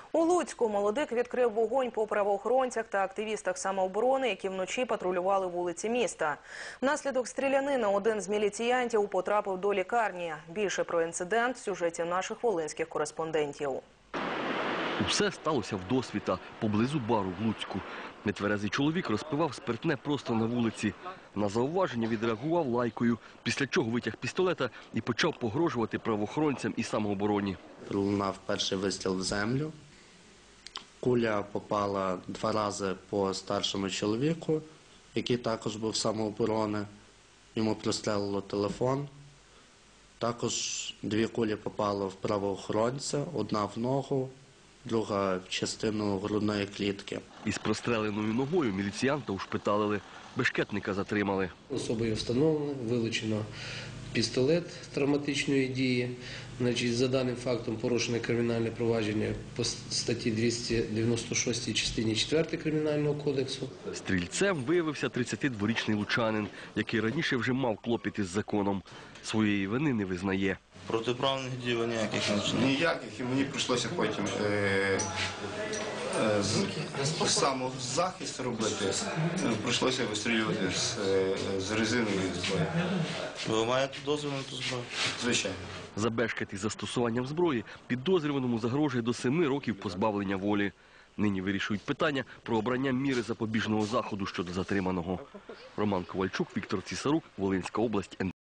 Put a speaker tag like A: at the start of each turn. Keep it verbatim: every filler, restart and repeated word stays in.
A: У Луцьку молодик відкрив вогонь по правоохоронцях та активістах самооборони, які вночі патрулювали вулиці міста. Внаслідок стрілянини один з міліціянтів потрапив до лікарні. Більше про інцидент в сюжеті наших волинських кореспондентів.
B: Усе сталося вдосвіта, поблизу бару в Луцьку. Нетверезий чоловік розпивав спиртне просто на вулиці. На зауваження відреагував лайкою, після чого витяг пістолета і почав погрожувати правоохоронцям і самообороні.
C: Пролунав перший вистріл в землю. Куля попала два рази по старшому чоловіку, який також був самооборони. Йому прострелило телефон. Також дві кулі попали в правоохоронця, одна в ногу, друга в частину грудної клітки.
B: Із простреленою ногою міліціянта ушпиталили, бешкетника затримали.
D: Особою встановлено, вилучено пістолет травматичної дії. Значить, за даним фактом порушено кримінальне провадження по статті двісті дев'яносто шість частині четвертій Кримінального кодексу.
B: Стрільцем виявився тридцятидворічний лучанин, який раніше вже мав клопіт із законом. Своєї вини не визнає.
E: Протиправних дій ніяких не вчинив.
F: Ніяких, і мені прийшлося потім е, е, з, самозахист робити. Е, прийшлося вистрілювати з, е, з резинової зброї.
E: Ви маєте дозвіл на ту зброю?
F: Звичайно.
B: За бешкет із застосуванням зброї підозрюваному загрожує до семи років позбавлення волі. Нині вирішують питання про обрання міри запобіжного заходу щодо затриманого. Роман Ковальчук, Віктор Цісарук, Волинська область.